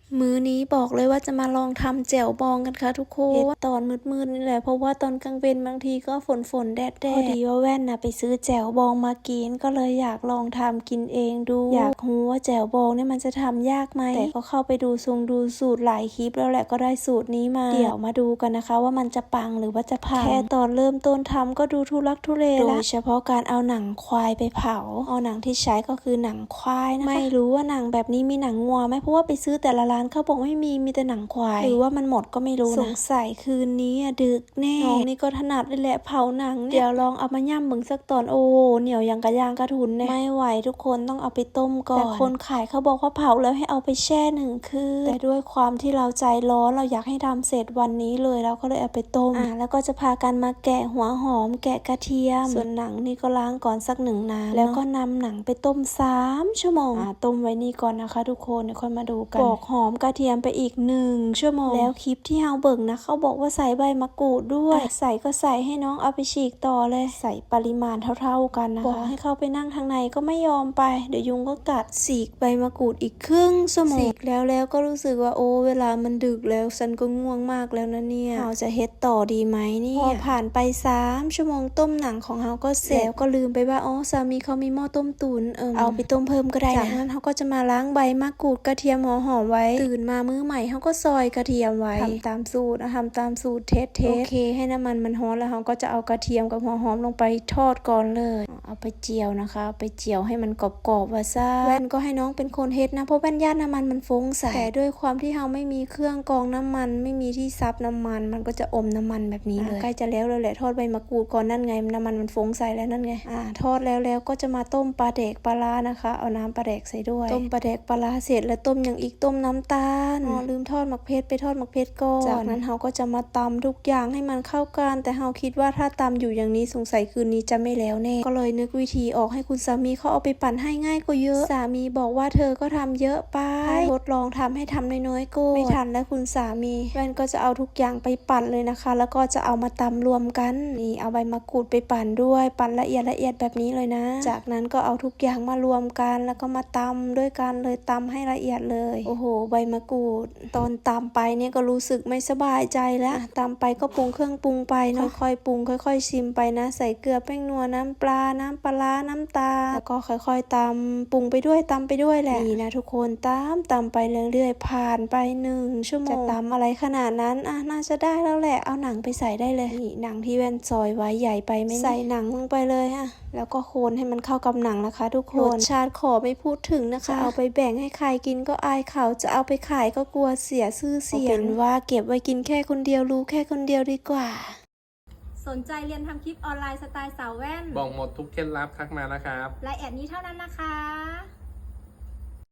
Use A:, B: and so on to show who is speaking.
A: มื้อนี้บอกเลยว่าจะมาลองทำแจ่วบองกันค่ะทุกคนตอนมืดๆนี่แหละเพราะว่าตอนกลางวันบางทีก็ฝนแดดพอดีว่าแว่นไปซื้อแจ่วบองมากินก็เลยอยากลองทำกินเองดูอยากรู้ว่าแจ่วบองเนี่ยมันจะทำยากไหมแต่ก็เข้าไปดูสูตรหลายคลิปแล้วแหละก็ได้สูตรนี้มาเดี๋ยวมาดูกันนะคะว่ามันจะปังหรือว่าจะพังแค่ตอนเริ่มต้นทำก็ดูทุลักทุเลโดยเฉพาะการเอาหนังควายไปเผาเอาหนังที่ใช้ก็คือหนังควายนะคะไม่รู้ว่าหนังแบบนี้มีหนังงัวไหมเพราะว่าไปซื้อแต่ละร้านเขาบอกไม่มีแต่หนังควายหรือว่ามันหมดก็ไม่รู้นะสงสัยคืนนี้ดึกแน่น้องนี่ก็ถนัดเลยแหละเผาหนังเนี่ยเดี๋ยวลองเอามาย่ำมึงสักตอนโอ้เหนียวอย่างกระยางกระทุนเนี่ยไม่ไหวทุกคนต้องเอาไปต้มก่อนแต่คนขายเขาบอกว่าเผาแล้วให้เอาไปแช่1 คืนแต่ด้วยความที่เราใจร้อนเราอยากให้ทำเสร็จวันนี้เลยเราก็เลยเอาไปต้มแล้วก็จะพากันมาแกะหัวหอมแกะกระเทียมส่วนหนังนี่ก็ล้างก่อนสัก1 น้ำแล้วก็นำหนังไปต้ม3 ชั่วโมงต้มไว้นี่ก่อนนะคะทุกคนเดี๋ยวค่อยมาดูกันปอกหอมกระเทียมไปอีก1 ชั่วโมงแล้วคลิปที่เฮาเบิ่งนะเขาบอกว่าใส่ใบมะกรูดด้วยใส่ก็ใส่ให้น้องเอาไปฉีกต่อเลยใส่ปริมาณเท่าๆกันนะคะบอกให้เขาไปนั่งทางในก็ไม่ยอมไปเดี๋ยวยุงก็กัดฉีกใบมะกรูดอีก1 ชั่วโมงฉีกแล้วก็รู้สึกว่าโอ้เวลามันดึกแล้วฉันก็ง่วงมากแล้วนะเนี่ยเฮาจะเฮ็ดต่อดีไหมเนี่ยพอผ่านไป3 ชั่วโมงต้มหนังของเฮาก็เสร็จแล้วก็ลืมไปว่าอ๋อสามีเขามีหม้อต้มตุ๋นเอาไปต้มเพิ่มก็ได้นะจากนั้นเฮาก็จะมาล้างใบมะกรูดกระเทียมหัวหอมไว้ตื่นมามื้อใหม่เขาก็ซอยกระเทียมไว้ทำตามสูตรเทสโอเคให้น้ำมันร้อนแล้วเขาก็จะเอากระเทียมกับหัวหอมลงไปทอดก่อนเลยเอาไปเจียวนะคะไปเจียวให้มันกรอบๆว่าซ่าแว่นก็ให้น้องเป็นคนเฮ็ดนะเพราะแว่นย่านน้ำมันฟงใส่แต่ด้วยความที่เราไม่มีเครื่องกรองน้ำมันไม่มีที่ซับน้ำมันมันก็จะอมน้ำมันแบบนี้เลยใกล้จะแล้วแหละทอดใบมะกรูดก่อนนั่นไงน้ำมันฟงใส่แล้วนั่นไงทอดแล้วก็จะมาต้มปลาแดกปลาร้านะคะเอาน้ำปลาแดกใส่ด้วยต้มปลาแดกปลาร้าเสร็จแล้วต้มอย่างอีกต้มน้ำตาลลืมทอดหมักเพชรไปทอดหมักเพชรก่อนจากนั้นเราก็จะมาตำทุกอย่างให้มันเข้ากันแต่เราคิดว่าถ้าตำอยู่อย่างนี้สงสัยคืนนี้จะไม่แล้วแน่ก็เลยนึกวิธีออกให้คุณสามีเขาเอาไปปั่นให้ง่ายกว่าเยอะสามีบอกว่าเธอก็ทำเยอะไปทดลองทำให้ทำน้อยๆก็ไม่ทันแล้วคุณสามีแว่นก็จะเอาทุกอย่างไปปั่นเลยนะคะแล้วก็จะเอามาตำรวมกันนี่เอาใบมะกรูดไปปั่นด้วยปั่นละเอียดแบบนี้เลยนะจากนั้นก็เอาทุกอย่างมารวมกันแล้วก็มาตำด้วยกันเลยตำให้ละเอียดเลยโอ้โหใบมะกรูดตอนตำไปเนี่ยก็รู้สึกไม่สบายใจแล้วตำไปก็ปรุงเครื่องปรุงไปเนาะค่อยๆปรุงค่อยๆชิมไปนะใส่เกลือแป้งนัวน้ำปลาน้ำปลาน้ำตาลแล้วก็ค่อยๆตำปรุงไปด้วยตำไปด้วยแหละนี่นะทุกคนตำไปเรื่อยๆผ่านไป1 ชั่วโมงจะตำอะไรขนาดนั้นน่าจะได้แล้วแหละเอาหนังไปใส่ได้เลยนี่หนังที่แว่นซอยไว้ใหญ่ไปไหมใส่หนังลงไปเลยแล้วก็โคนให้มันเข้ากับหนังนะคะทุกคนรสชาติขอไม่พูดถึงนะคะเอาไปแบ่งให้ใครกินก็อายเขาจะเอาไปขายก็กลัวเสียชื่อเสียงเป็นว่าเก็บไว้กินแค่คนเดียวรู้แค่คนเดียวดีกว่า
B: สนใจเรียนทำคลิปออนไลน์สไตล์สาวแว่น
C: บอกหมดทุกเคล็ดลับทักมานะครับ
B: รายแอดนี้เท่านั้นนะคะ